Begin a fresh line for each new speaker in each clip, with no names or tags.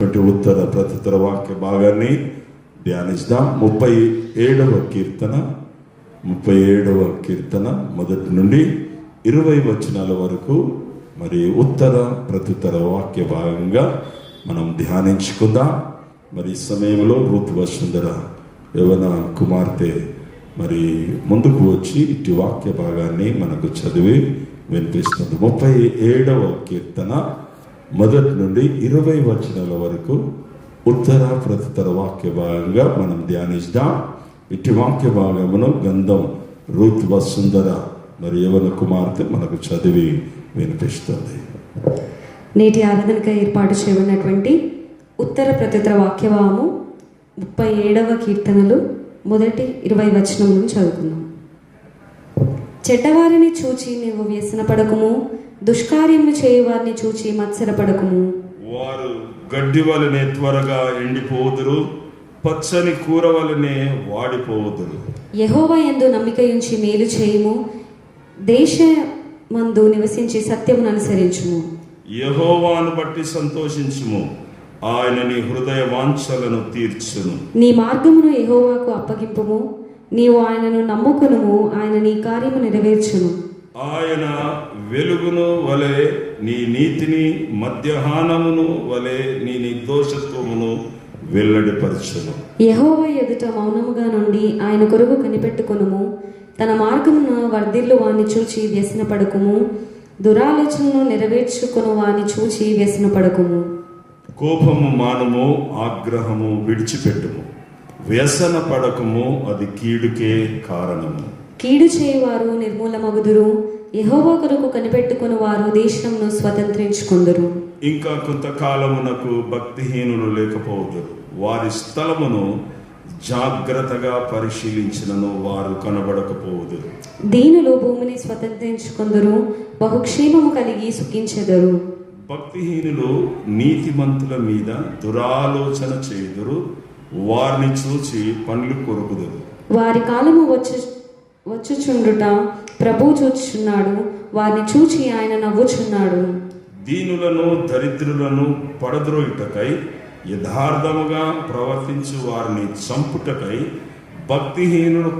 ఇచ్చినటువంటి ఉత్తర ప్రత్యుత్తర వాక్య భాగాన్ని ధ్యానిస్తాం. 37వ కీర్తన మొదటి నుండి 20 వచనాల వరకు మరి ఉత్తర ప్రత్యుత్తర వాక్య భాగంగా మనం ధ్యానించుకుందాం. మరి ఈ సమయంలో రూత్ వసుంధర యవన కుమార్తె మరి ముందుకు వచ్చి ఇటు వాక్య భాగాన్ని మనకు చదివి వినిపిస్తుంది. 37వ కీర్తన మొదటి నుండి 20 వచనాల వరకు ఉత్తర ప్రత్యుత్తర వాక్య భాగంగా మనం ధ్యానిస్తాం. ఇటు వాక్య భాగమును గంధం రూత్ వసుంధర మరి యవన కుమార్తె మనకు చదివి వినిపిస్తుంది.
నేటి ఆరాధనగా ఏర్పాటు చేయబడినటువంటి ఉత్తర ప్రత్యుత్తర వాక్యభాగము 37వ కీర్తనలు మొదటి 20 వచనములను చదువుకుందాం. చెడ్డవారిని చూచి నీవు వ్యసనపడకుము, దుష్కార్యములు చేయువారిని చూచి మత్సరపడకుము.
వారు గడ్డి వలనే త్వరగా ఎండిపోదురు, పచ్చని కూర వలనే వాడిపోదురు.
యెహోవా యందు నమ్మిక ఉంచి మేలు చేయుము, దేశమందు నివసించి సత్యమును అనుసరించుము.
యెహోవాను బట్టి సంతోషించుము, ఆయన నీ హృదయ వాంఛలను తీర్చును.
నీ మార్గమును యెహోవాకు అప్పగింపుము, నీవు ఆయనను నమ్ముకునుము, ఆయన నీ కార్యము నెరవేర్చును.
ఆయన వెలుగును వలె నీ నీతిని, మధ్యాహ్నమును వలె నీ నిర్దోషత్వమును వెల్లడిపరచును.
యెహోవా ఎదుట మౌనముగా నుండి ఆయన కొరకు కనిపెట్టుకొనుము, తన మార్గమును వర్ధిల్లు వాని చూచి వ్యసనపడకుము, దురాలోచనను నెరవేర్చుకొను వాని చూచి వ్యసనపడకుము.
కోపము మానము, ఆగ్రహము విడిచిపెట్టుము, వ్యసన పడకము, అది కీడుకే కారణము.
కీడు చేయువారు నిర్మూలమగుదురు, యెహోవా కొరకు కనిపెట్టుకుని వారు దేశమును స్వతంత్రించుకొందురు.
ఇంకా కొంతకాలమునకు భక్తిహీనులు లేకపోదురు, వారి స్థలమును జాగ్రత్తగా పరిశీలించినను వారు కనబడకపోదురు.
దీనులు భూమిని స్వతంత్రించుకొందురు, బహుక్షేమము కలిగి సుఖించెదరు.
భక్తిహీనులు నీతిమంతుల మీద దురాలోచన చేయుదురు, వారిని చూచి పండ్లు కొరుకుదురు.
వారి కాలము వచ్చుచుండుట ప్రభువు చూచుచున్నాడు, వారిని చూచి ఆయన నవ్వుచున్నాడు.
దీనులను దరిద్రులను పడద్రోయుటకై యథార్థముగా ప్రవర్తించు వారిని చంపుటకై భక్తిహీనులు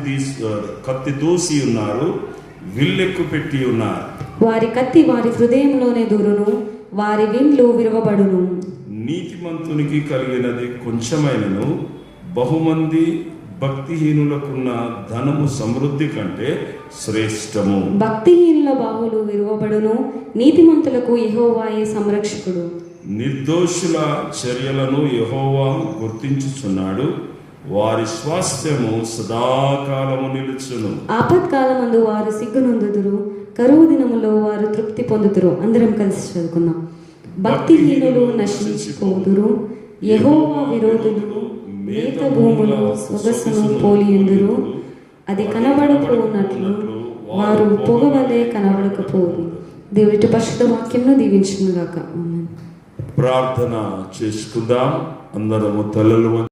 కత్తి దూసి ఉన్నారు, విల్లెక్కు పెట్టి ఉన్నారు.
వారి కత్తి వారి హృదయంలోనే దూరును, వారి విండ్లు విరవబడును.
నీతిమంతునికి కలిగినది కొంచెమైనను బహుమంది భక్తిహీనులకున్న ధనము సమృద్ధి కంటే శ్రేష్టము.
భక్తిహీనుల బాహులు విరువబడును, నీతిమంతులకు యెహోవాయే సంరక్షకుడు.
నిర్దోషుల చర్యలను యెహోవా గుర్తించుచున్నాడు, వారి స్వాస్థ్యము సదాకాలము నిలుచును.
ఆపత్కాలమందు వారు సిగ్గునొందుదురు, కరువు దినములో వారు తృప్తి పొందుదురు. అందరం కలిసి చదువుకుందాం. భక్తిహీనులు నశించిపోదురు, యెహోవా విరోధులు మేత భూములు సొగసును పోలియుందురు. అది కనబడకపోనట్లు వారు పొగవలే కనబడకపోరు. దేవుడి పరిశుద్ధ వాక్యంను దీవించును గాక.
ప్రార్థన చేసుకుందాం. అందరము తలలు